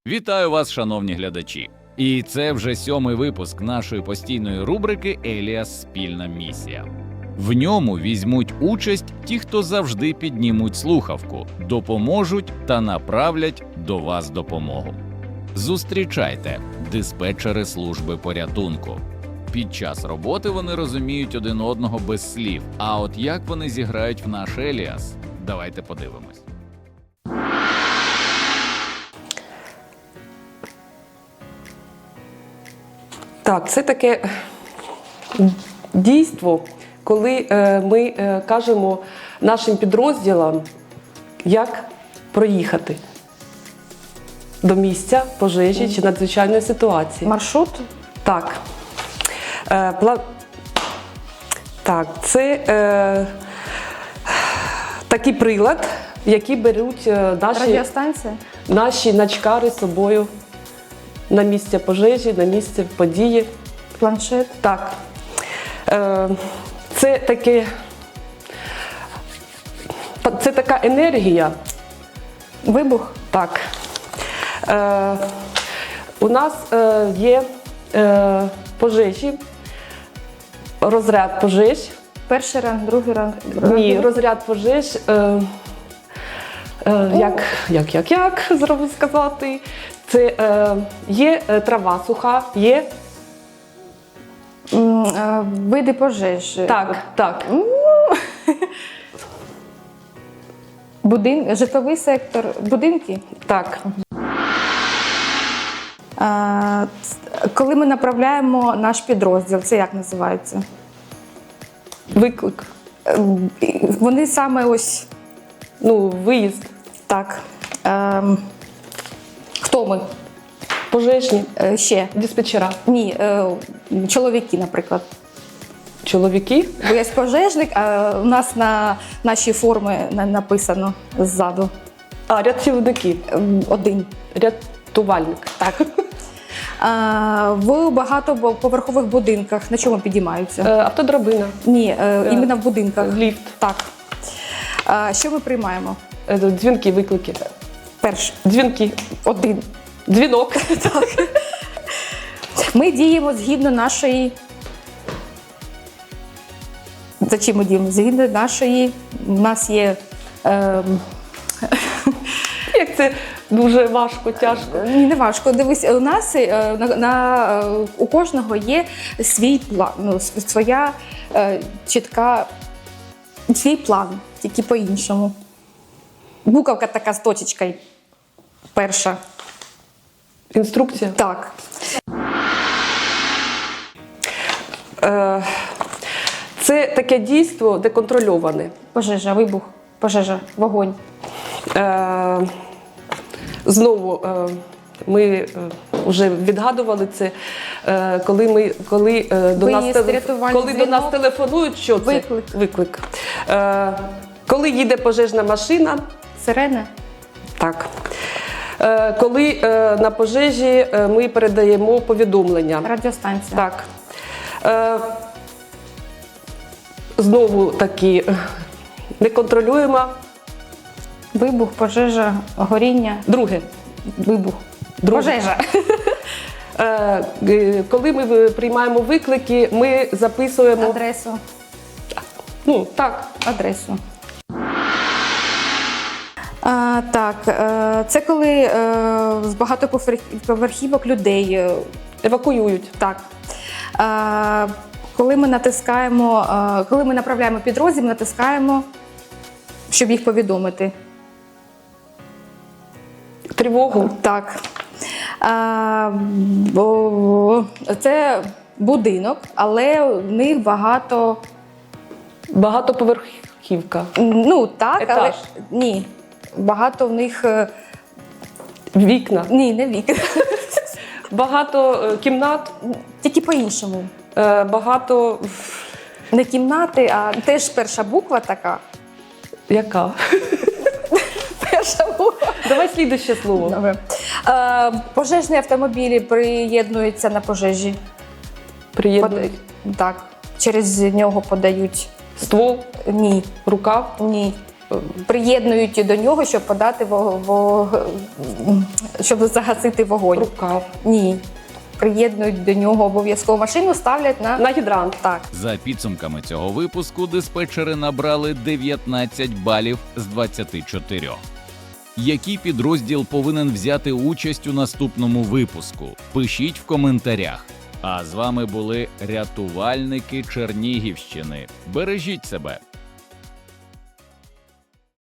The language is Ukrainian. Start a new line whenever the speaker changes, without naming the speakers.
Вітаю вас, шановні глядачі! І це вже 7-й випуск нашої постійної рубрики «Еліас. Спільна місія». В ньому візьмуть участь ті, хто завжди піднімуть слухавку, допоможуть та направлять до вас допомогу. Зустрічайте диспетчери служби порятунку. Під час роботи вони розуміють один одного без слів, а от як вони зіграють в наш Еліас? Давайте подивимось.
Так, це таке дійство, коли ми кажемо нашим підрозділам, як проїхати до місця пожежі чи надзвичайної ситуації.
Маршрут?
Так. Так, це такий прилад, який беруть
Радіостанція?
наші начкари з собою на місце пожежі, на місце події.
Планшет?
Так. Це така енергія.
Вибух?
Так. У нас є пожежі, розряд пожеж.
Перший ранг, другий ранг?
Ні, розряд пожеж, як зробити сказати, це є трава суха, є...
Види пожеж.
Так.
Житловий сектор, будинки?
Так.
Коли ми направляємо наш підрозділ, це як називається?
Виклик.
Вони саме ось...
Виїзд.
Так. Хто ми?
Пожежні.
Ще?
Диспетчера.
Ні, чоловіки, наприклад.
Чоловіки.
Бо є пожежник, а у нас на нашій формі написано ззаду.
Рятівники.
Один.
Рятувальник.
Так. В багатоповерхових будинках на чому підіймаються?
Автодрабина.
Ні, іменно в будинках.
Ліфт.
Так. Що ми приймаємо?
Дзвінки, виклики.
Перший.
Дзвінки.
Один.
Дзвінок.
Так. Ми діємо згідно нашої... За чим ми діємо? Згідно нашої... У нас є...
Як це дуже важко, тяжко.
Ні, не важко. Дивись, у нас у кожного є свій план, своя чітка, свій план, тільки по-іншому. Буковка така з точечкою. Перша.
Інструкція?
Так.
Це таке дійство деконтрольоване.
Пожежа, вибух, пожежа, вогонь.
Знову ми вже відгадували це, коли до нас телефонують, що це? Виклик. Коли їде пожежна машина.
Сирена.
Так. Коли на пожежі ми передаємо повідомлення.
Радіостанція.
Так. Знову таки неконтролюємо.
Вибух, пожежа, горіння.
Друге.
Вибух. Пожежа.
Коли ми приймаємо виклики, ми записуємо...
Адресу.
Так.
Адресу. Так, це коли з багатоповерхівок людей
Евакуюють.
Так. Коли ми натискаємо, коли ми направляємо підрозділ, ми натискаємо, щоб їх повідомити.
Тривогу.
Так. Це будинок, але у них
Багатоповерхівка.
Так,
етаж.
але ні. Багато в них...
Вікна.
Ні, не вікна.
Багато кімнат.
Тільки по-іншому.
Багато...
Не кімнати, а теж перша буква така.
Яка?
Перша буква.
Давай слідуще слово.
Добре. Пожежні автомобілі приєднуються на пожежі.
Приєднують.
Так. Через нього подають.
Ствол.
Ні.
Рукав.
Ні. приєднують до нього, щоб подати щоб загасити вогонь.
Рукав.
Ні. Приєднують до нього обов'язково машину, ставлять
На гідрант.
Так.
За підсумками цього випуску диспетчери набрали 19 балів з 24. Який підрозділ повинен взяти участь у наступному випуску? Пишіть в коментарях. А з вами були рятувальники Чернігівщини. Бережіть себе!